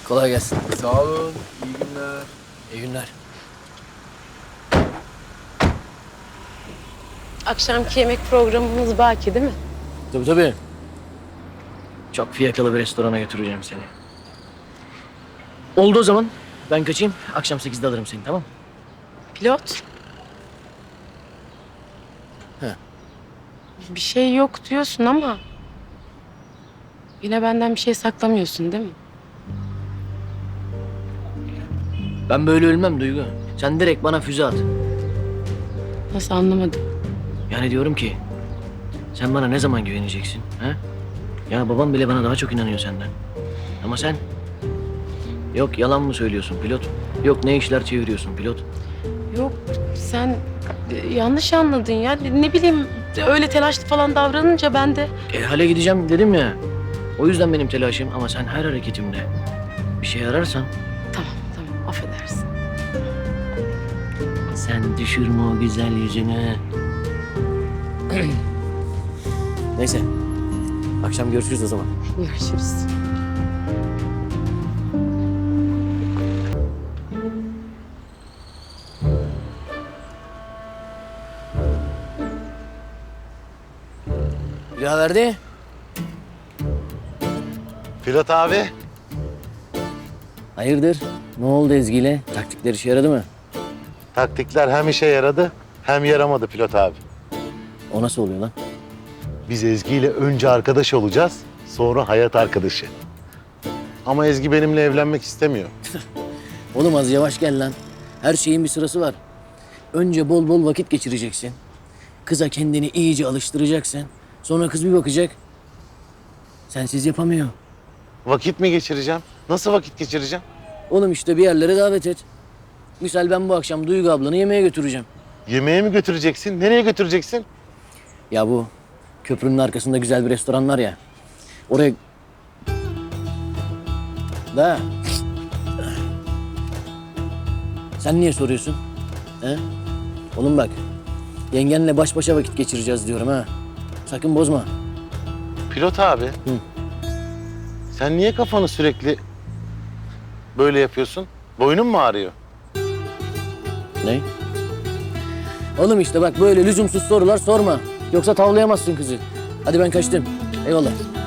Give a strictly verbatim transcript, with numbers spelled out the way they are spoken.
Kolay gelsin. Sağ olun. İyi günler. İyi günler. Akşamki yemek programımız baki değil mi? Tabii tabii. Çok fiyakalı bir restorana götüreceğim seni. Oldu o zaman. Ben kaçayım. Akşam sekizde alırım seni, tamam mı? Pilot. He. Bir şey yok diyorsun ama... Yine benden bir şey saklamıyorsun değil mi? Ben böyle ölmem Duygu. Sen direkt bana füze at. Nasıl anlamadım? Yani diyorum ki... Sen bana ne zaman güveneceksin? Ha? Ya babam bile bana daha çok inanıyor senden. Ama sen... Yok yalan mı söylüyorsun pilot? Yok ne işler çeviriyorsun pilot? Yok sen e, yanlış anladın ya. Ne bileyim öyle telaşlı falan davranınca ben de... E, hale gideceğim dedim ya. O yüzden benim telaşım ama sen her hareketimde bir şey ararsan Tamam tamam affedersin. sen düşürme o güzel yüzünü. Neyse. Akşam görüşürüz o zaman. Görüşürüz. Bir daha verdi. Pilot abi. Hayırdır? Ne oldu Ezgi'yle? Taktikler işe yaradı mı? Taktikler hem işe yaradı hem yaramadı pilot abi. O nasıl oluyor lan? Biz Ezgi ile önce arkadaş olacağız, sonra hayat arkadaşı. Ama Ezgi benimle evlenmek istemiyor. Oğlum az yavaş gel lan. Her şeyin bir sırası var. Önce bol bol vakit geçireceksin. Kıza kendini iyice alıştıracaksın. Sonra kız bir bakacak. Sensiz yapamıyor. Vakit mi geçireceğim? Nasıl vakit geçireceğim? Oğlum işte bir yerlere davet et. Misal ben bu akşam Duygu ablanı yemeğe götüreceğim. Yemeğe mi götüreceksin? Nereye götüreceksin? Ya bu köprünün arkasında güzel bir restoran var ya. Oraya... Da. Sen niye soruyorsun? He? Oğlum bak. Yengenle baş başa vakit geçireceğiz diyorum ha. Sakın bozma. Pilot abi. Sen niye kafanı sürekli böyle yapıyorsun? Boynun mu ağrıyor? Ne? Oğlum işte bak böyle lüzumsuz sorular sorma. Yoksa tavlayamazsın kızı. Hadi ben kaçtım. Eyvallah.